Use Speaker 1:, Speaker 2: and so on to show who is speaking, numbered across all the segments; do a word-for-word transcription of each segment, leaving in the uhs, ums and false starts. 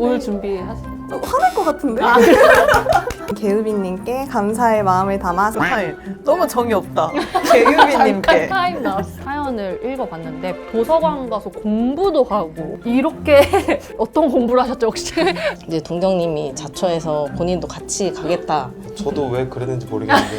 Speaker 1: 오늘 준비하세요.
Speaker 2: 어, 화날 것 같은데?
Speaker 1: 아, 그래?
Speaker 2: 개우빈님께 감사의 마음을 담아서
Speaker 3: 아니, 너무 정이 없다. 개유빈님께.
Speaker 1: 타임 나왔어. 사연을 읽어봤는데 도서관 가서 공부도 하고 이렇게 어떤 공부를 하셨죠 혹시?
Speaker 4: 이제 동경님이 자처해서 본인도 같이 가겠다.
Speaker 5: 저도 왜 그랬는지 모르겠는데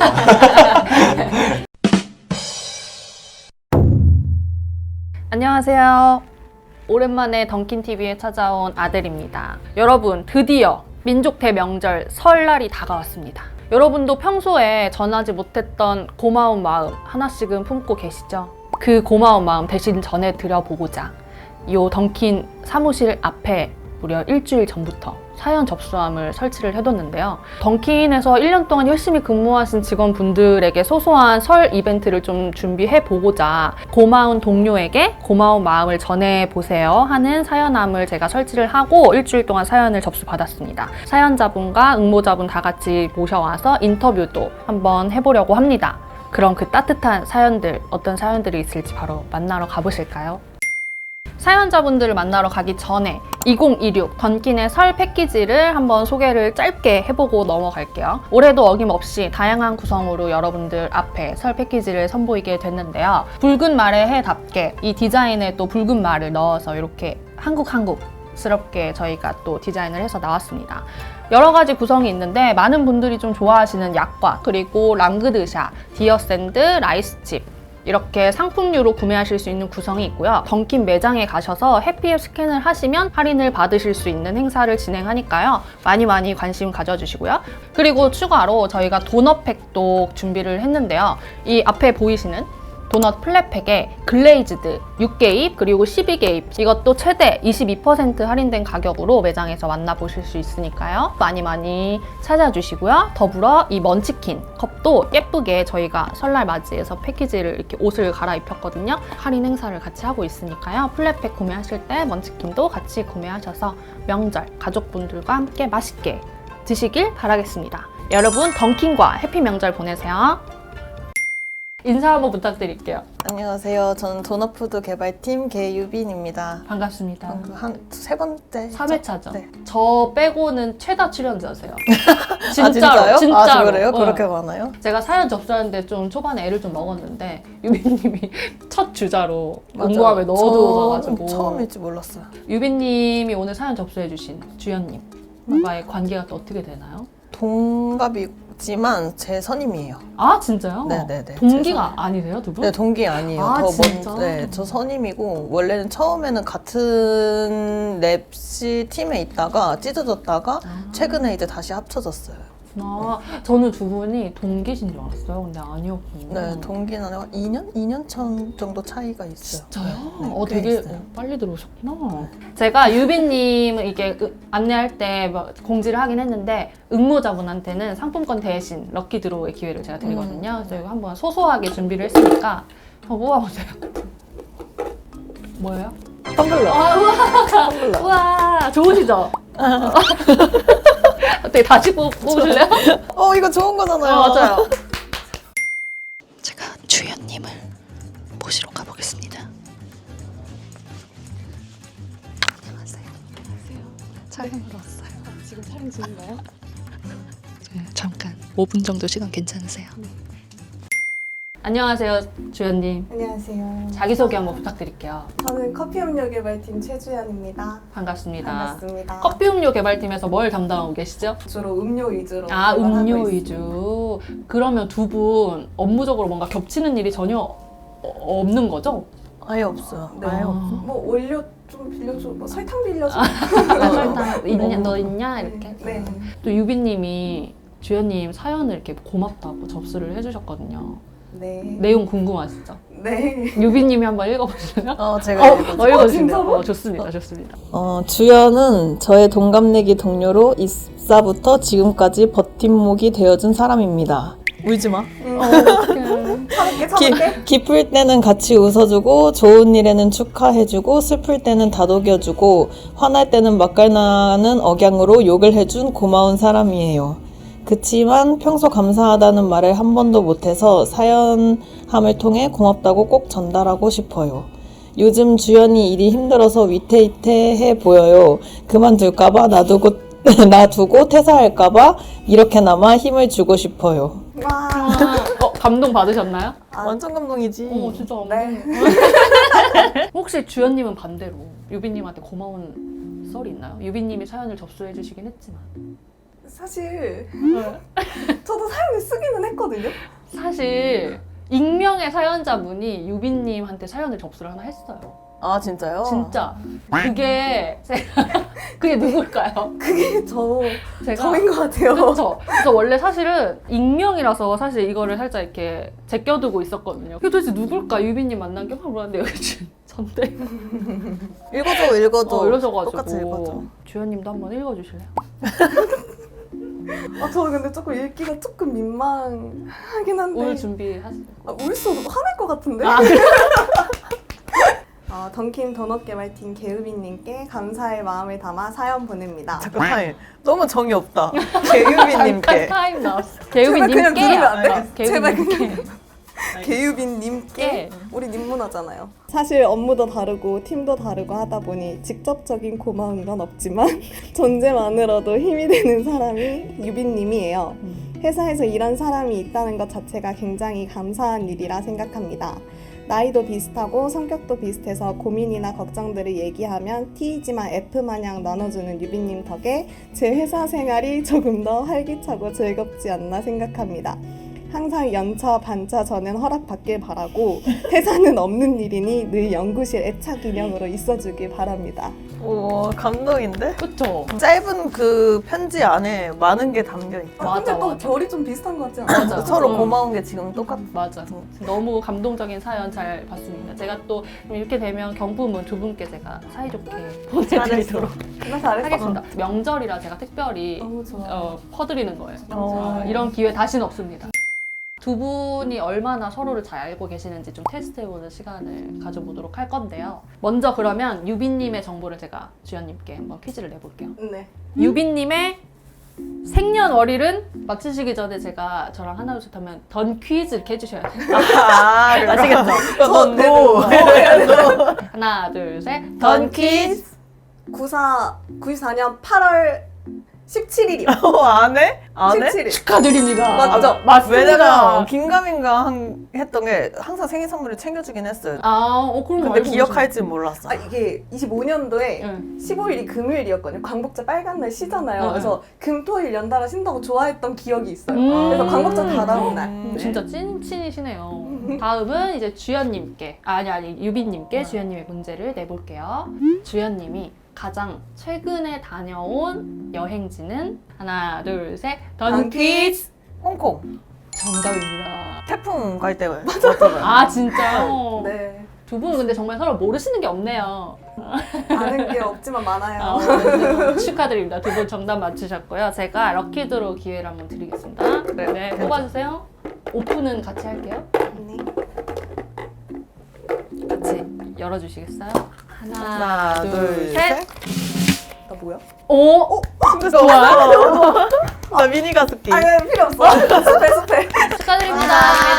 Speaker 1: 안녕하세요. 오랜만에 던킨티비에 찾아온 아들입니다. 여러분, 드디어 민족 대명절 설날이 다가왔습니다. 여러분도 평소에 전하지 못했던 고마운 마음 하나씩은 품고 계시죠? 그 고마운 마음 대신 전해드려보고자 이 던킨 사무실 앞에 무려 일주일 전부터 사연 접수함을 설치를 해뒀는데요. 던킨에서 일 년 동안 열심히 근무하신 직원분들에게 소소한 설 이벤트를 좀 준비해보고자 고마운 동료에게 고마운 마음을 전해보세요 하는 사연함을 제가 설치를 하고 일주일 동안 사연을 접수받았습니다. 사연자분과 응모자분 다 같이 모셔와서 인터뷰도 한번 해보려고 합니다. 그럼 그 따뜻한 사연들, 어떤 사연들이 있을지 바로 만나러 가보실까요? 사연자분들을 만나러 가기 전에 이천이십육 던킨의 설 패키지를 한번 소개를 짧게 해보고 넘어갈게요. 올해도 어김없이 다양한 구성으로 여러분들 앞에 설 패키지를 선보이게 됐는데요. 붉은 말의 해답게 이 디자인에 또 붉은 말을 넣어서 이렇게 한국 한국 스럽게 저희가 또 디자인을 해서 나왔습니다. 여러 가지 구성이 있는데 많은 분들이 좀 좋아하시는 약과 그리고 랑그드샤, 디어샌드, 라이스칩 이렇게 상품류로 구매하실 수 있는 구성이 있고요. 던킨 매장에 가셔서 해피앱 스캔을 하시면 할인을 받으실 수 있는 행사를 진행하니까요. 많이 많이 관심 가져주시고요. 그리고 추가로 저희가 도넛팩도 준비를 했는데요. 이 앞에 보이시는 도넛 플랫팩에 글레이즈드 육 개입 그리고 십이 개입 이것도 최대 이십이 퍼센트 할인된 가격으로 매장에서 만나보실 수 있으니까요. 많이 많이 찾아주시고요. 더불어 이 먼치킨 컵도 예쁘게 저희가 설날 맞이해서 패키지를 이렇게 옷을 갈아입혔거든요. 할인 행사를 같이 하고 있으니까요. 플랫팩 구매하실 때 먼치킨도 같이 구매하셔서 명절 가족분들과 함께 맛있게 드시길 바라겠습니다. 여러분 던킨과 해피 명절 보내세요. 인사 한번 부탁드릴게요.
Speaker 3: 안녕하세요. 저는 도넛푸드 개발팀 개유빈입니다.
Speaker 1: 반갑습니다.
Speaker 3: 한 세 번째.
Speaker 1: 삼 회차죠.
Speaker 3: 네.
Speaker 1: 저 빼고는 최다 출연자세요.
Speaker 3: 아, 진짜요?
Speaker 1: 진짜로.
Speaker 3: 아, 그래요?
Speaker 1: 어.
Speaker 3: 그렇게 많아요?
Speaker 1: 제가 사연 접수하는데 좀 초반에 애를 좀 먹었는데 유빈님이 첫 주자로
Speaker 3: 맞아요.
Speaker 1: 공고함에 넣어두고
Speaker 3: 저는
Speaker 1: 가지고
Speaker 3: 처음일지 몰랐어요.
Speaker 1: 유빈님이 오늘 사연 접수해주신 주연님과의 관계가 또 어떻게 되나요?
Speaker 3: 동갑이지만 제 선임이에요.
Speaker 1: 아 진짜요?
Speaker 3: 네네네.
Speaker 1: 동기가 아니세요 두 분?
Speaker 3: 네, 동기 아니에요.
Speaker 1: 아,
Speaker 3: 더
Speaker 1: 진짜?
Speaker 3: 먼, 네, 저 선임이고 원래는 처음에는 같은 랩시 팀에 있다가 찢어졌다가
Speaker 1: 아.
Speaker 3: 최근에 이제 다시 합쳐졌어요.
Speaker 1: 아, 저는 두 분이 동기신 줄 알았어요. 근데 아니었군요.
Speaker 3: 네, 동기는 한 이 년? 이 년 전 정도 차이가 있어요.
Speaker 1: 진짜요?
Speaker 3: 네,
Speaker 1: 어,
Speaker 3: 꽤
Speaker 1: 되게
Speaker 3: 있어요.
Speaker 1: 빨리 들어오셨구나. 제가 유빈님을 이게 으- 안내할 때막 공지를 하긴 했는데 응모자분한테는 상품권 대신 럭키 드로우의 기회를 제가 드리거든요. 그래서 이거 한번 소소하게 준비를 했으니까 한번 뽑아보세요. 뭐예요?
Speaker 3: 텀블러.
Speaker 1: 아, 우와! 우와! 좋으시죠? 어떻게 다시 뽑, 뽑으실래요?
Speaker 3: 어, 이거 좋은 거잖아요.
Speaker 1: 어, 맞아요.
Speaker 4: 제가 주연님을 모시러 가보겠습니다. 안녕하세요. 안녕하세요. 촬영으로 왔어요. 지금 촬영 중인가요? 네, 잠깐 오 분 정도 시간 괜찮으세요?
Speaker 1: 안녕하세요, 주연님.
Speaker 2: 안녕하세요.
Speaker 1: 자기소개 한번 부탁드릴게요.
Speaker 2: 저는 커피 음료 개발팀 최주연입니다.
Speaker 1: 반갑습니다.
Speaker 2: 반갑습니다.
Speaker 1: 커피 음료 개발팀에서 뭘 담당하고 계시죠?
Speaker 2: 주로 음료 위주로
Speaker 1: 아,
Speaker 2: 개발하고
Speaker 1: 음료
Speaker 2: 있습니다.
Speaker 1: 위주. 그러면 두 분 업무적으로 뭔가 겹치는 일이 전혀 어- 없는 거죠?
Speaker 3: 아예 없어요.
Speaker 2: 네.
Speaker 3: 아예 없어요.
Speaker 2: 뭐 원료 좀 빌려줘, 뭐 설탕 빌려줘.
Speaker 1: 설탕 있냐, 너 있냐 이렇게.
Speaker 2: 네.
Speaker 1: 또 유빈님이 주연님 사연을 이렇게 고맙다고 접수를 해주셨거든요.
Speaker 2: 네.
Speaker 1: 내용 궁금하시죠?
Speaker 2: 네.
Speaker 1: 유빈님이 한번 읽어보실래요?
Speaker 3: 어, 제가
Speaker 1: 어,
Speaker 3: 읽어줄게요.
Speaker 1: 어, 읽어주세요.
Speaker 2: 진짜로?
Speaker 1: 어, 좋습니다, 좋습니다.
Speaker 3: 어, 주연은 저의 동갑내기 동료로 입사부터 지금까지 버팀목이 되어준 사람입니다. 울지 마.
Speaker 2: 참을게,
Speaker 3: 기,
Speaker 2: 참을게.
Speaker 3: 기쁠 때는 같이 웃어주고 좋은 일에는 축하해주고 슬플 때는 다독여주고 화날 때는 맛깔나는 억양으로 욕을 해준 고마운 사람이에요. 그치만 평소 감사하다는 말을 한 번도 못해서 사연함을 통해 고맙다고 꼭 전달하고 싶어요. 요즘 주연이 일이 힘들어서 위태위태해 보여요. 그만둘까봐 놔두고, 놔두고 퇴사할까봐 이렇게나마 힘을 주고 싶어요.
Speaker 2: 와.
Speaker 1: 어, 감동 받으셨나요?
Speaker 3: 완전 감동이지.
Speaker 1: 어, 진짜 감동.
Speaker 2: 네.
Speaker 1: 혹시 주연님은 반대로 유빈님한테 고마운 썰이 있나요? 유빈님이 사연을 접수해 주시긴 했지만
Speaker 2: 사실 저도 사연을 쓰기는 했거든요.
Speaker 1: 사실 익명의 사연자분이 유빈님한테 사연을 접수를 하나 했어요.
Speaker 3: 아, 진짜요?
Speaker 1: 진짜 그게 제가 그게 누굴까요?
Speaker 2: 그게 저
Speaker 1: 제가
Speaker 2: 저인 것 같아요.
Speaker 1: 그렇죠. 그래서 원래 사실은 익명이라서 사실 이거를 살짝 이렇게 제껴두고 있었거든요. 그게 도대체 누굴까? 유빈님 만난 게 확 몰랐는데 여기 지금 전대
Speaker 3: 읽어줘, 읽어줘.
Speaker 1: 어, 이러셔가지고
Speaker 3: 똑같이 읽어줘.
Speaker 1: 주연님도 한번 읽어주실래요?
Speaker 2: 아, 저 근데 조금 읽기가 조금 민망하긴 한데.
Speaker 1: 오늘 준비하세요.
Speaker 2: 아, 울수 화낼 것 같은데?
Speaker 1: 아,
Speaker 2: 어, 던킨 도넛 개발팀 개우빈님께 감사의 마음을 담아 사연 보냅니다.
Speaker 3: 잠깐 타임. 너무 정이 없다. 개유빈님께.
Speaker 1: 타임 나왔어.
Speaker 2: 제발 그냥
Speaker 1: 개우빈님께.
Speaker 2: 누르면 안 돼?
Speaker 1: 아,
Speaker 2: 제발
Speaker 1: 개우빈님께.
Speaker 2: 개유빈님께
Speaker 1: 네.
Speaker 2: 우리 님문화잖아요. 사실 업무도 다르고 팀도 다르고 하다 보니 직접적인 고마운 건 없지만 존재만으로도 힘이 되는 사람이 유빈님이에요. 회사에서 일한 사람이 있다는 것 자체가 굉장히 감사한 일이라 생각합니다. 나이도 비슷하고 성격도 비슷해서 고민이나 걱정들을 얘기하면 T이지만 F마냥 나눠주는 유빈님 덕에 제 회사 생활이 조금 더 활기차고 즐겁지 않나 생각합니다. 항상 연차, 반차 저는 허락받길 바라고 회사는 없는 일이니 늘 연구실 애착 인형으로 있어주길 바랍니다.
Speaker 3: 오, 감동인데?
Speaker 1: 그쵸?
Speaker 3: 짧은 그 편지 안에 많은 게 담겨있다.
Speaker 2: 아, 근데
Speaker 1: 맞아,
Speaker 2: 또
Speaker 1: 맞아.
Speaker 2: 결이 좀 비슷한 것 같지 않아요?
Speaker 1: 맞아.
Speaker 3: 서로
Speaker 1: 음.
Speaker 3: 고마운 게 지금 똑같아.
Speaker 1: 맞아. 너무 감동적인 사연 잘 봤습니다. 제가 또 이렇게 되면 경품은 두 분께 제가 사이좋게 보내드리도록
Speaker 2: 나 잘했어.
Speaker 1: 하겠습니다. 명절이라 제가 특별히
Speaker 2: 너무 좋아.
Speaker 1: 어, 퍼드리는 거예요.
Speaker 3: 어.
Speaker 1: 자, 이런 기회 다시는 없습니다. 두 분이 얼마나 서로를 잘 알고 계시는지 좀 테스트해보는 시간을 가져보도록 할 건데요. 먼저 그러면 유빈님의 정보를 제가 주연님께 한번 퀴즈를 내볼게요.
Speaker 2: 네.
Speaker 1: 유빈님의 생년월일은 맞추시기 전에 제가 저랑 하나 둘셋 하면 던 퀴즈 이렇게 해주셔야 돼요.
Speaker 3: 아,
Speaker 1: 아시겠죠?
Speaker 3: 넌
Speaker 2: 네,
Speaker 3: 노.
Speaker 1: 하나 둘셋
Speaker 2: 던 퀴즈 구사 구십사년 팔월 십칠일이요.
Speaker 3: 어, 안 해? 안 해?
Speaker 2: 십칠일.
Speaker 1: 축하드립니다.
Speaker 2: 맞죠?
Speaker 1: 맞습니다.
Speaker 3: 왜냐면 긴가민가 한, 했던 게 항상 생일 선물을 챙겨주긴 했어요.
Speaker 1: 아, 어, 그럼
Speaker 3: 근데 기억할 줄 몰랐어.
Speaker 2: 아, 이게 이십오년도에
Speaker 1: 응.
Speaker 2: 십오일이 금요일이었거든요. 광복절 빨간 날 쉬잖아요.
Speaker 1: 응,
Speaker 2: 그래서 금, 토, 일 연달아 쉰다고 좋아했던 기억이 있어요.
Speaker 1: 음.
Speaker 2: 그래서 광복절 다다음 날.
Speaker 1: 음,
Speaker 2: 네.
Speaker 1: 진짜 찐친이시네요. 다음은 이제 주연님께, 아니 아니 유빈님께 주연님의 문제를 내볼게요. 주연님이 가장 최근에 다녀온 여행지는 하나 둘 셋 던
Speaker 2: 던
Speaker 1: 퀴즈
Speaker 3: 홍콩.
Speaker 1: 정답입니다.
Speaker 3: 태풍 갈 때 맞잖아요.
Speaker 1: 아 진짜?
Speaker 2: 네.
Speaker 1: 두 분은 근데 정말 서로 모르시는 게 없네요.
Speaker 2: 아는 게 없지만 많아요.
Speaker 1: 아, 네. 축하드립니다. 두 분 정답 맞추셨고요. 제가 럭키드로 기회를 한번 드리겠습니다.
Speaker 3: 네.
Speaker 1: 네, 뽑아주세요. 오픈은 같이 할게요.
Speaker 2: 네.
Speaker 1: 같이 열어주시겠어요? 하나,
Speaker 3: 하나,
Speaker 1: 둘,
Speaker 3: 둘,
Speaker 1: 셋.
Speaker 3: 셋.
Speaker 2: 나 뭐야?
Speaker 1: 오!
Speaker 3: 좋아요. 나 미니 가습기.
Speaker 2: 아, 네, 필요 없어. 스페, 스페.
Speaker 1: 축하드립니다.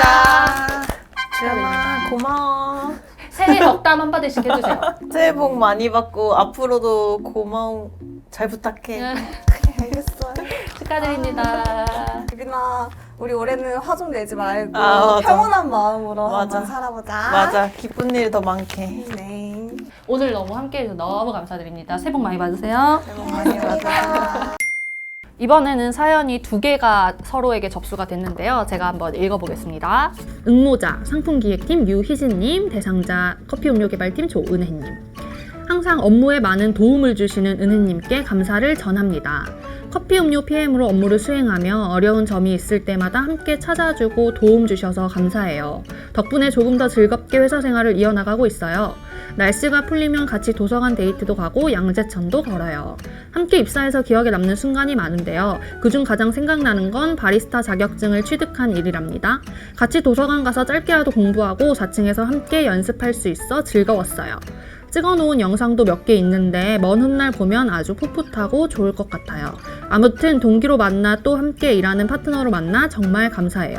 Speaker 3: 주연아, 고마워.
Speaker 1: 새해 덕담 한마디씩 해주세요.
Speaker 3: 새해 복 많이 받고 앞으로도 고마운 잘 부탁해.
Speaker 1: 네,
Speaker 2: 알겠어요.
Speaker 1: 축하드립니다.
Speaker 2: 유빈아, 우리 올해는 화 좀 내지 말고
Speaker 3: 아, 맞아.
Speaker 2: 평온한 마음으로
Speaker 3: 맞아.
Speaker 2: 한번 살아보자.
Speaker 3: 맞아, 기쁜 일 더 많게.
Speaker 2: 네.
Speaker 1: 오늘 너무 함께 해주셔서 너무 감사드립니다. 새해 복 많이 받으세요.
Speaker 3: 새해 복 많이 받아.
Speaker 1: 이번에는 사연이 두 개가 서로에게 접수가 됐는데요. 제가 한번 읽어보겠습니다. 응모자 상품기획팀 유희진님, 대상자 커피음료개발팀 조은혜님. 항상 업무에 많은 도움을 주시는 은혜님께 감사를 전합니다. 커피 음료 피엠으로 업무를 수행하며 어려운 점이 있을 때마다 함께 찾아주고 도움 주셔서 감사해요. 덕분에 조금 더 즐겁게 회사 생활을 이어나가고 있어요. 날씨가 풀리면 같이 도서관 데이트도 가고 양재천도 걸어요. 함께 입사해서 기억에 남는 순간이 많은데요. 그중 가장 생각나는 건 바리스타 자격증을 취득한 일이랍니다. 같이 도서관 가서 짧게라도 공부하고 사 층에서 함께 연습할 수 있어 즐거웠어요. 찍어놓은 영상도 몇 개 있는데 먼 훗날 보면 아주 풋풋하고 좋을 것 같아요. 아무튼 동기로 만나 또 함께 일하는 파트너로 만나 정말 감사해요.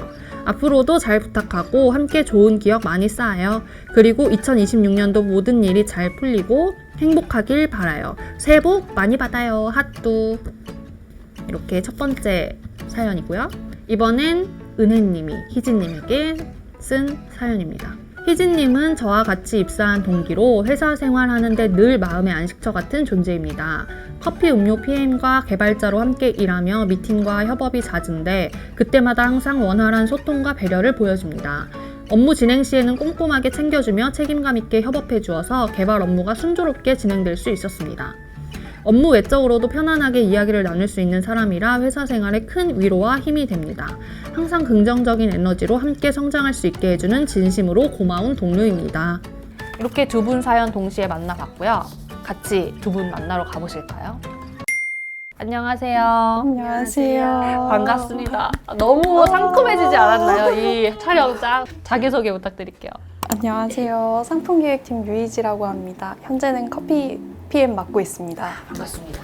Speaker 1: 앞으로도 잘 부탁하고 함께 좋은 기억 많이 쌓아요. 그리고 이천이십육 년도 모든 일이 잘 풀리고 행복하길 바라요. 새해 복 많이 받아요. 핫뚜. 이렇게 첫 번째 사연이고요. 이번엔 은혜님이 희진님에게 쓴 사연입니다. 희진님은 저와 같이 입사한 동기로 회사 생활하는데 늘 마음의 안식처 같은 존재입니다. 커피 음료 피엠과 개발자로 함께 일하며 미팅과 협업이 잦은데 그때마다 항상 원활한 소통과 배려를 보여줍니다. 업무 진행 시에는 꼼꼼하게 챙겨주며 책임감 있게 협업해 주어서 개발 업무가 순조롭게 진행될 수 있었습니다. 업무 외적으로도 편안하게 이야기를 나눌 수 있는 사람이라 회사 생활에 큰 위로와 힘이 됩니다. 항상 긍정적인 에너지로 함께 성장할 수 있게 해주는 진심으로 고마운 동료입니다. 이렇게 두 분 사연 동시에 만나봤고요. 같이 두 분 만나러 가보실까요? 안녕하세요.
Speaker 6: 안녕하세요.
Speaker 1: 반갑습니다. 너무 상큼해지지 않았나요? 이 촬영장. 자기소개 부탁드릴게요.
Speaker 6: 안녕하세요. 상품기획팀 유이지라고 합니다. 현재는 커피 피엠 맡고 있습니다.
Speaker 1: 반갑습니다.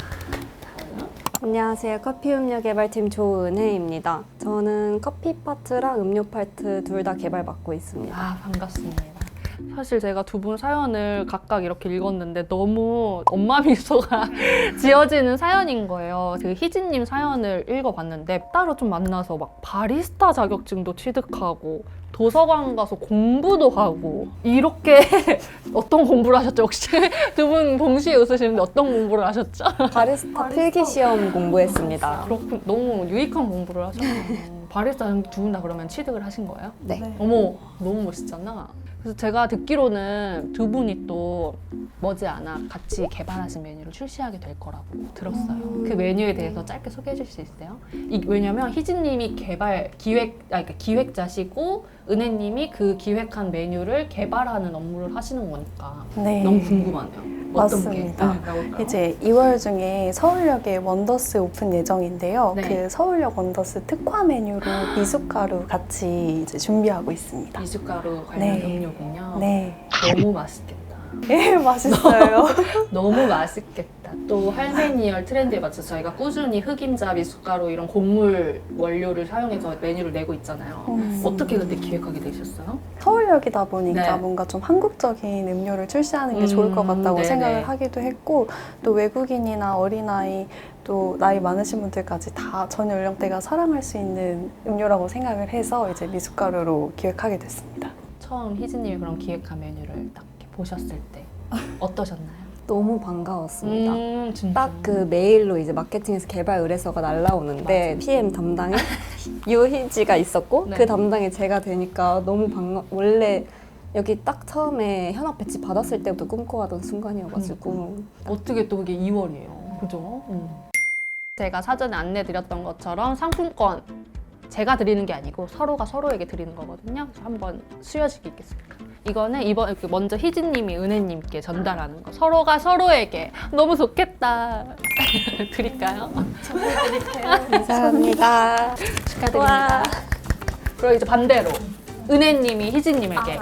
Speaker 7: 안녕하세요. 커피 음료 개발팀 조은혜입니다. 저는 커피 파트랑 음료 파트 둘 다 개발 맡고 있습니다.
Speaker 1: 아, 반갑습니다. 사실 제가 두 분 사연을 각각 이렇게 읽었는데 너무 엄마 미소가 지어지는 사연인 거예요. 그 희진님 사연을 읽어봤는데 따로 좀 만나서 막 바리스타 자격증도 취득하고 도서관 가서 공부도 하고 이렇게 어떤 공부를 하셨죠? 혹시 두 분 동시에 웃으시는데 어떤 공부를 하셨죠?
Speaker 7: 바리스타 필기 시험 공부했습니다.
Speaker 1: 그렇군. 너무 유익한 공부를 하셨네요. 바리스타 두 분 다 그러면 취득을 하신 거예요?
Speaker 7: 네.
Speaker 1: 어머, 너무 멋있잖아. 그래서 제가 듣기로는 두 분이 또 머지않아 같이 개발하신 메뉴를 출시하게 될 거라고 들었어요. 그 메뉴에 대해서 짧게 소개해 주실 수 있어요? 이, 왜냐면 희진님이 개발, 기획, 아, 그러니까 기획자시고 은혜님이 그 기획한 메뉴를 개발하는 업무를 하시는 거니까
Speaker 6: 네.
Speaker 1: 너무 궁금하네요. 어떤
Speaker 6: 맞습니다.
Speaker 1: 게? 네, 나올까요?
Speaker 6: 이제 이월 중에 서울역에 원더스 오픈 예정인데요.
Speaker 1: 네.
Speaker 6: 그 서울역 원더스 특화 메뉴로 미숫가루 같이 이제 준비하고 있습니다.
Speaker 1: 미숫가루 관련
Speaker 6: 네.
Speaker 1: 음료군요.
Speaker 6: 네.
Speaker 1: 너무 맛있겠다.
Speaker 6: 예, 맛있어요.
Speaker 1: 너무 맛있겠다. 또 할메니얼 트렌드에 맞춰서 저희가 꾸준히 흑임자, 미숫가루 이런 곡물 원료를 사용해서 메뉴를 내고 있잖아요.
Speaker 6: 음.
Speaker 1: 어떻게 그때 기획하게 되셨어요?
Speaker 6: 서울역이다 보니까
Speaker 1: 네.
Speaker 6: 뭔가 좀 한국적인 음료를 출시하는 게
Speaker 1: 음,
Speaker 6: 좋을 것 같다고
Speaker 1: 네네.
Speaker 6: 생각을 하기도 했고 또 외국인이나 어린아이 또 나이 많으신 분들까지 다 전 연령대가 사랑할 수 있는 음료라고 생각을 해서 이제 미숫가루로 기획하게 됐습니다.
Speaker 1: 처음 희진님이 그런 기획한 메뉴를 딱 이렇게 보셨을 때 어떠셨나요?
Speaker 7: 너무 반가웠습니다.
Speaker 1: 음, 진짜.
Speaker 7: 딱 그 메일로 이제 마케팅에서 개발 의뢰서가 날라오는데
Speaker 1: 맞아요.
Speaker 7: 피엠 담당에 유희지가 있었고
Speaker 1: 네.
Speaker 7: 그 담당이 제가 되니까 너무 반가. 원래 여기 딱 처음에 현업 배치 받았을 때부터 꿈꿔왔던 순간이어가지고
Speaker 1: 어떻게 또 그게 이월이에요. 그죠? 음. 제가 사전에 안내드렸던 것처럼 상품권 제가 드리는 게 아니고 서로가 서로에게 드리는 거거든요. 그래서 한번 수여식 있겠습니까? 이거는 이번 이렇게 먼저 희진님이 은혜님께 전달하는 거. 서로가 서로에게 너무 좋겠다. 드릴까요?
Speaker 7: 감사합니다.
Speaker 1: 축하드립니다. 그리고 이제 반대로 은혜님이 희진님에게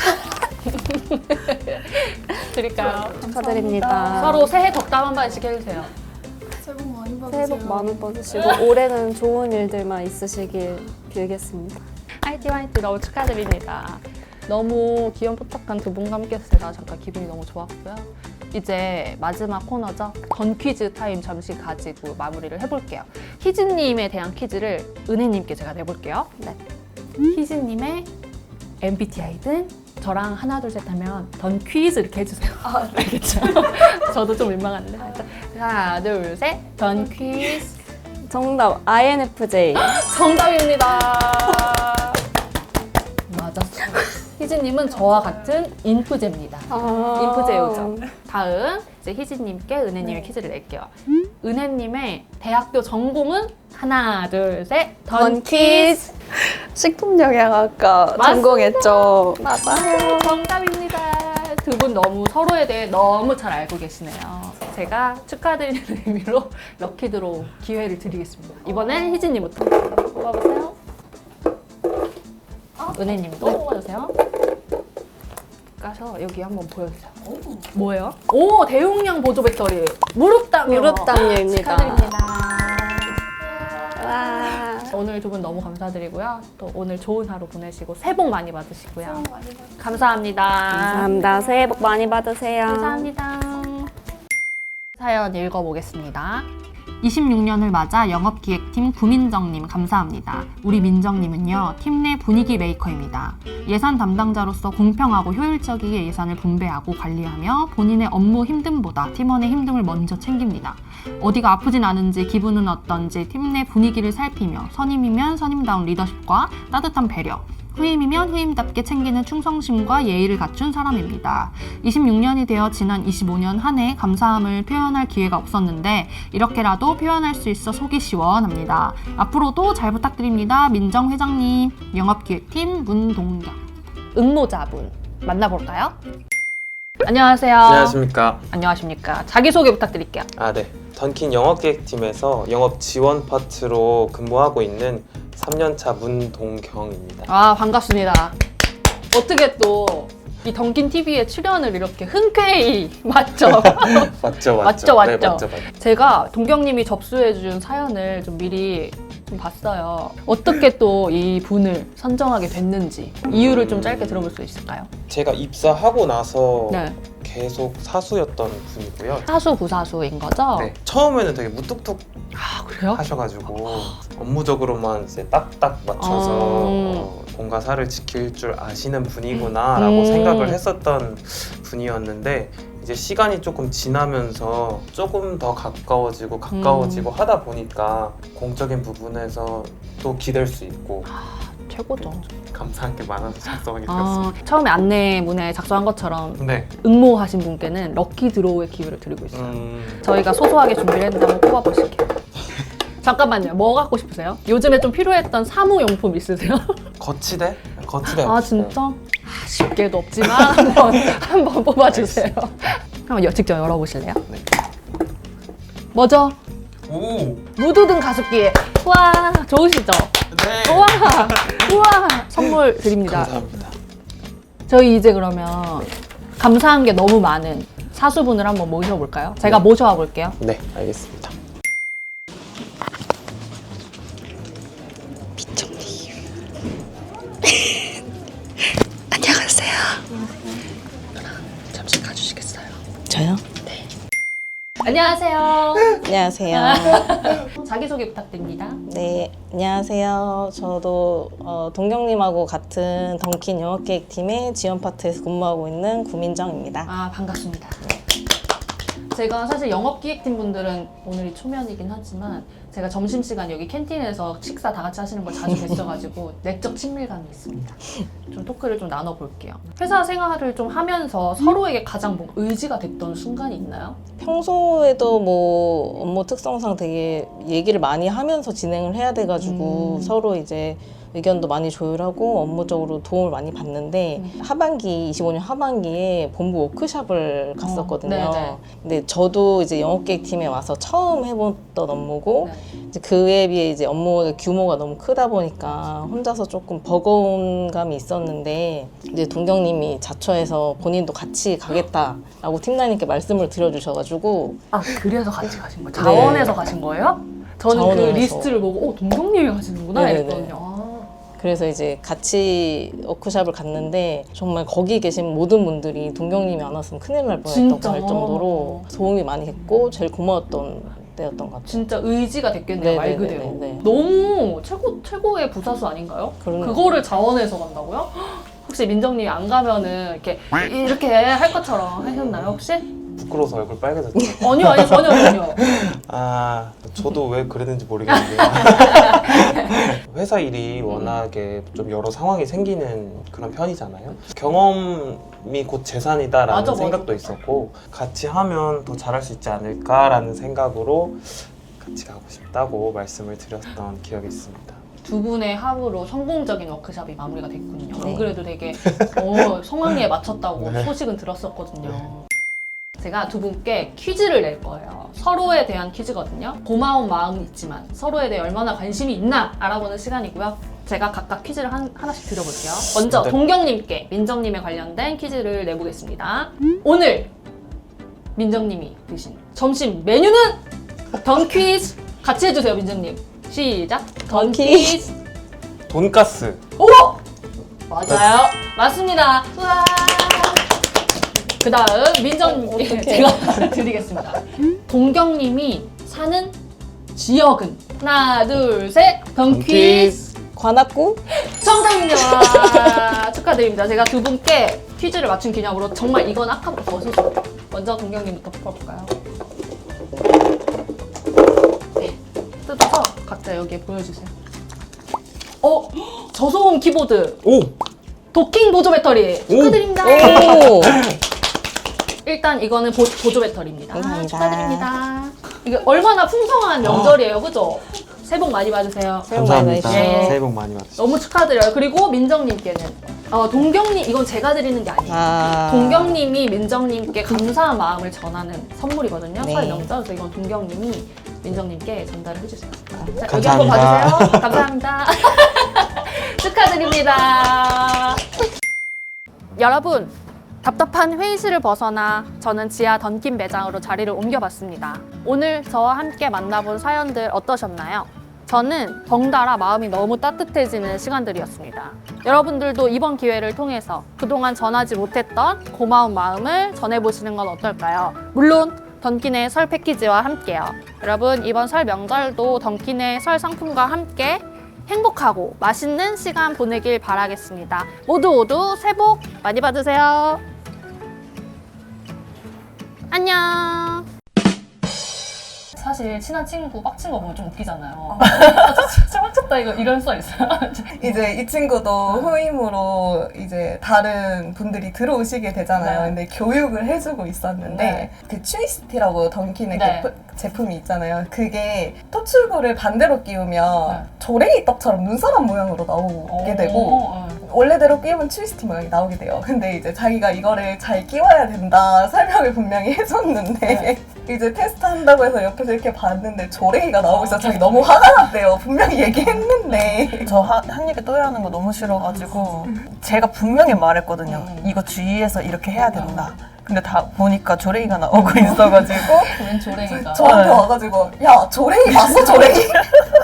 Speaker 1: 드릴까요?
Speaker 7: 축하드립니다.
Speaker 1: 서로 새해 덕담 한 번씩 해주세요.
Speaker 7: 새해 복 많이 받으시고 올해는 좋은 일들만 있으시길 빌겠습니다.
Speaker 1: 화이팅 화이팅 너무 축하드립니다. 너무 귀염뽀짝한 두 분과 함께해서 제가 잠깐 기분이 너무 좋았고요. 이제 마지막 코너죠. 던 퀴즈 타임 잠시 가지고 마무리를 해볼게요. 희진님에 대한 퀴즈를 은혜님께 제가 내볼게요.
Speaker 7: 네.
Speaker 1: 희진님의 엠비티아이든 저랑 하나 둘 셋 하면 던 퀴즈 이렇게 해주세요. 알겠죠? 저도 좀 민망한데. 하나 둘 셋 던 퀴즈.
Speaker 7: 정답 아이엔에프제이.
Speaker 1: 정답입니다. 맞았어요. 희진님은 저와 같은 인프제입니다.
Speaker 7: 아~
Speaker 1: 인프제우죠. 다음 이제 희진님께 은혜님의 퀴즈를 낼게요. 은혜님의 대학교 전공은 하나 둘 셋 던 퀴즈.
Speaker 6: 식품영양학과
Speaker 1: 맞습니다.
Speaker 6: 전공했죠.
Speaker 1: 맞아요. 정답입니다. 두 분 너무 서로에 대해 너무 잘 알고 계시네요. 제가 축하드리는 의미로 럭키드로 기회를 드리겠습니다. 이번엔 희진님부터 뽑아보세요. 은혜님도 뽑아주세요. 까서 여기 한번 보여주세요. 뭐예요? 오, 대용량 보조 배터리. 무릎 담요.
Speaker 7: 무릎 담요입니다.
Speaker 1: 축하드립니다.
Speaker 7: 와.
Speaker 1: 오늘 오늘 두 분 너무 감사드리고요. 또 오늘 좋은 하루 보내시고 새해 복 많이 받으시고요. 감사합니다.
Speaker 7: 감사합니다. 새해 복 많이 받으세요.
Speaker 1: 감사합니다. 사연 읽어보겠습니다. 이십육 년을 맞아 영업기획팀 구민정님 감사합니다. 우리 민정님은요, 팀 내 분위기 메이커입니다. 예산 담당자로서 공평하고 효율적이게 예산을 분배하고 관리하며 본인의 업무 힘듦보다 팀원의 힘듦을 먼저 챙깁니다. 어디가 아프진 않은지 기분은 어떤지 팀 내 분위기를 살피며 선임이면 선임다운 리더십과 따뜻한 배려, 후임이면 후임답게 챙기는 충성심과 예의를 갖춘 사람입니다. 이십육 년이 되어 지난 이십오 년 한 해 감사함을 표현할 기회가 없었는데 이렇게라도 표현할 수 있어 속이 시원합니다. 앞으로도 잘 부탁드립니다. 민정 회장님. 영업기획팀 문동경. 응모자분 만나볼까요? 안녕하세요.
Speaker 5: 안녕하십니까.
Speaker 1: 안녕하십니까. 자기소개 부탁드릴게요.
Speaker 5: 아, 네. 던킨 영업기획팀에서 영업 지원 파트로 근무하고 있는 삼 년차 문동경입니다.
Speaker 1: 아, 반갑습니다. 어떻게 또 이 던킨 티비에 출연을 이렇게 흔쾌히 맞죠?
Speaker 5: 맞죠, 맞죠.
Speaker 1: 맞죠, 맞죠.
Speaker 5: 네, 맞죠, 맞죠.
Speaker 1: 제가 동경님이 접수해준 사연을 좀 미리 좀 봤어요. 어떻게 또 이 분을 선정하게 됐는지 이유를 좀 짧게 들어볼 수 있을까요?
Speaker 5: 제가 입사하고 나서
Speaker 1: 네.
Speaker 5: 계속 사수였던 분이고요.
Speaker 1: 사수 부사수인 거죠?
Speaker 5: 네. 처음에는 되게 무뚝뚝
Speaker 1: 아, 그래요?
Speaker 5: 하셔가지고 업무적으로만 이제 딱딱 맞춰서
Speaker 1: 어.
Speaker 5: 어, 공과 사를 지킬 줄 아시는 분이구나라고
Speaker 1: 음.
Speaker 5: 생각을 했었던 분이었는데 이제 시간이 조금 지나면서 조금 더 가까워지고 가까워지고
Speaker 1: 음.
Speaker 5: 하다 보니까 공적인 부분에서 또 기댈 수 있고
Speaker 1: 최고죠.
Speaker 5: 감사한 게 많아서 작성하게 되었습니다.
Speaker 1: 아, 처음에 안내문에 작성한 것처럼
Speaker 5: 네.
Speaker 1: 응모하신 분께는 럭키 드로우의 기회를 드리고 있어요.
Speaker 5: 음,
Speaker 1: 저희가 소소하게 준비를 했는데 한번 뽑아보실게요. 잠깐만요. 뭐 갖고 싶으세요? 요즘에 좀 필요했던 사무용품 있으세요?
Speaker 5: 거치대? 거치대.
Speaker 1: 아,
Speaker 5: 없어요.
Speaker 1: 진짜? 아, 쉽게도 없지만 한번 한번 뽑아주세요. 한번 여- 직접 열어보실래요?
Speaker 5: 네.
Speaker 1: 뭐죠?
Speaker 5: 오!
Speaker 1: 무드등 가습기. 와, 좋으시죠?
Speaker 5: 네!
Speaker 1: 우와, 우와, 선물 드립니다.
Speaker 5: 감사합니다.
Speaker 1: 저희 이제 그러면 감사한 게 너무 많은 사수분을 한번 모셔볼까요? 제가
Speaker 5: 네.
Speaker 1: 모셔와 볼게요.
Speaker 5: 네, 알겠습니다.
Speaker 4: 안녕하세요. 잠시 가주시겠어요?
Speaker 3: 저요?
Speaker 1: 안녕하세요.
Speaker 3: 안녕하세요.
Speaker 1: 자기소개 부탁드립니다.
Speaker 3: 네, 안녕하세요. 저도 어, 동경님하고 같은 던킨 영업기획팀의 지원 파트에서 근무하고 있는 구민정입니다.
Speaker 1: 아, 반갑습니다. 제가 사실 영업기획팀 분들은 오늘이 초면이긴 하지만 제가 점심시간 여기 캔틴에서 식사 다 같이 하시는 걸 자주 뵀어가지고 내적 친밀감이 있습니다. 좀 토크를 좀 나눠볼게요. 회사 생활을 좀 하면서 서로에게 가장 뭐 의지가 됐던 순간이 있나요?
Speaker 3: 평소에도 뭐 업무 특성상 되게 얘기를 많이 하면서 진행을 해야 돼가지고
Speaker 1: 음.
Speaker 3: 서로 이제 의견도 많이 조율하고 업무적으로 도움을 많이 받는데
Speaker 1: 음.
Speaker 3: 하반기 이십오 년 하반기에 본부 워크숍을 갔었거든요.
Speaker 1: 어, 네네.
Speaker 3: 근데 저도 이제 영업계획팀에 와서 처음 해봤던 업무고
Speaker 1: 네.
Speaker 3: 이제 그에 비해 이제 업무의 규모가 너무 크다 보니까 혼자서 조금 버거운 감이 있었는데 이제 동경님이 자처해서 본인도 같이 가겠다라고 팀장님께 말씀을 드려주셔가지고
Speaker 1: 아, 그래서 같이 가신 거예요? 자원에서 가신 거예요? 저는 그
Speaker 3: 자원에서.
Speaker 1: 리스트를 보고 어, 동경님이 가시는구나
Speaker 3: 네네네.
Speaker 1: 이랬거든요. 아.
Speaker 3: 그래서 이제 같이 워크숍을 갔는데 정말 거기 계신 모든 분들이 동경님이 안 왔으면 큰일 날 뻔했다고
Speaker 1: 진짜?
Speaker 3: 할 정도로 도움이 많이 됐고 제일 고마웠던 때였던 것 같아요.
Speaker 1: 진짜 의지가 됐겠네요, 말 그대로.
Speaker 3: 네네네네.
Speaker 1: 너무 최고, 최고의 부사수 아닌가요?
Speaker 3: 그러네요.
Speaker 1: 그거를 자원해서 간다고요? 혹시 민정님이 안 가면은 이렇게 이렇게 할 것처럼 하셨나요, 혹시?
Speaker 5: 부끄러워서 얼굴 빨개졌죠.
Speaker 1: 아니요, 아니요, 전혀, 전혀.
Speaker 5: 아, 저도 왜 그랬는지 모르겠는데 회사 일이 워낙에 좀 여러 상황이 생기는 그런 편이잖아요. 경험이 곧 재산이다라는
Speaker 1: 맞아, 맞아.
Speaker 5: 생각도 있었고 같이 하면 더 잘할 수 있지 않을까라는 생각으로 같이 가고 싶다고 말씀을 드렸던 기억이 있습니다.
Speaker 1: 두 분의 합으로 성공적인 워크숍이 마무리가 됐군요. 안
Speaker 3: 네.
Speaker 1: 그래도 되게 어, 성황리에 맞췄다고
Speaker 5: 네.
Speaker 1: 소식은 들었었거든요. 제가 두 분께 퀴즈를 낼 거예요. 서로에 대한 퀴즈거든요. 고마운 마음은 있지만 서로에 대해 얼마나 관심이 있나 알아보는 시간이고요. 제가 각각 퀴즈를 한, 하나씩 드려볼게요. 먼저
Speaker 5: 네.
Speaker 1: 동경님께 민정님에 관련된 퀴즈를 내보겠습니다. 오늘 민정님이 드신 점심 메뉴는 던퀴즈 같이 해주세요, 민정님. 시작. 던퀴즈.
Speaker 5: 돈가스.
Speaker 1: 오! 맞아요. 맞습니다. 우와. 그 다음 민정님 제가 드리겠습니다. 동경님이 사는 지역은? 하나, 둘, 셋. 던퀴즈.
Speaker 3: 관악구?
Speaker 1: 정답입니다. 축하드립니다. 제가 두 분께 퀴즈를 맞춘 기념으로 정말 이건 아까부터 어서서 먼저 동경님부터 풀어볼까요? 네. 뜯어서 각자 여기에 보여주세요. 어? 저소음 키보드.
Speaker 5: 오!
Speaker 1: 도킹 보조 배터리. 축하드립니다.
Speaker 3: 오!
Speaker 1: 일단 이거는 보, 보조 배터리입니다.
Speaker 3: 감사합니다.
Speaker 1: 축하드립니다. 이게 얼마나 풍성한 명절이에요, 그죠? 새해 복 많이 받으세요.
Speaker 3: 새해 복 많이
Speaker 5: 감사합니다.
Speaker 1: 받으시죠.
Speaker 5: 새해 복 많이 받으시죠.
Speaker 1: 너무 축하드려요. 그리고 민정님께는 어, 동경님 이건 제가 드리는 게 아니에요.
Speaker 3: 아.
Speaker 1: 동경님이 민정님께 감사한 마음을 전하는 선물이거든요.
Speaker 3: 네.
Speaker 1: 설 명절. 그래서 이건 동경님이 민정님께 전달을 해주세요. 자, 여기
Speaker 5: 감사합니다.
Speaker 1: 한번 봐주세요. 감사합니다. 축하드립니다. 여러분, 답답한 회의실을 벗어나 저는 지하 던킨 매장으로 자리를 옮겨봤습니다. 오늘 저와 함께 만나본 사연들 어떠셨나요? 저는 덩달아 마음이 너무 따뜻해지는 시간들이었습니다. 여러분들도 이번 기회를 통해서 그동안 전하지 못했던 고마운 마음을 전해보시는 건 어떨까요? 물론 던킨의 설 패키지와 함께요. 여러분 이번 설 명절도 던킨의 설 상품과 함께 행복하고 맛있는 시간 보내길 바라겠습니다. 모두 모두 새해 복 많이 받으세요. 안녕. 사실 친한 친구 빡친 거 보면 좀 웃기잖아요. 진짜 빡쳤다 이거 이런 썰 있어요.
Speaker 2: 이제 이 친구도 후임으로 이제 다른 분들이 들어오시게 되잖아요.
Speaker 1: 네.
Speaker 2: 근데 교육을 해주고 있었는데
Speaker 1: 네.
Speaker 2: 그 트위스티라고 던킨의
Speaker 1: 네.
Speaker 2: 그 제품이 있잖아요. 그게 토출구를 반대로 끼우면
Speaker 1: 네.
Speaker 2: 조랭이 떡처럼 눈사람 모양으로 나오게 되고
Speaker 1: 어, 어.
Speaker 2: 원래대로 끼우면 트위스티 모양이 나오게 돼요. 근데 이제 자기가 이거를 잘 끼워야 된다 설명을 분명히 해줬는데
Speaker 1: 네.
Speaker 2: 이제 테스트 한다고 해서 옆에서 이렇게 봤는데 조랭이가 나오고 있어서
Speaker 1: 어,
Speaker 2: 자기 너무 화가 났대요. 분명히 얘기했는데.
Speaker 8: 저 한 입에 또이하는 거 너무 싫어가지고 제가 분명히 말했거든요.
Speaker 1: 음.
Speaker 8: 이거 주의해서 이렇게 해야 된다. 근데 다 보니까 조랭이가 나오고 있어가지고
Speaker 1: 웬 조랭이가.
Speaker 2: 저한테 와가지고 야 조랭이 봤어 조랭이?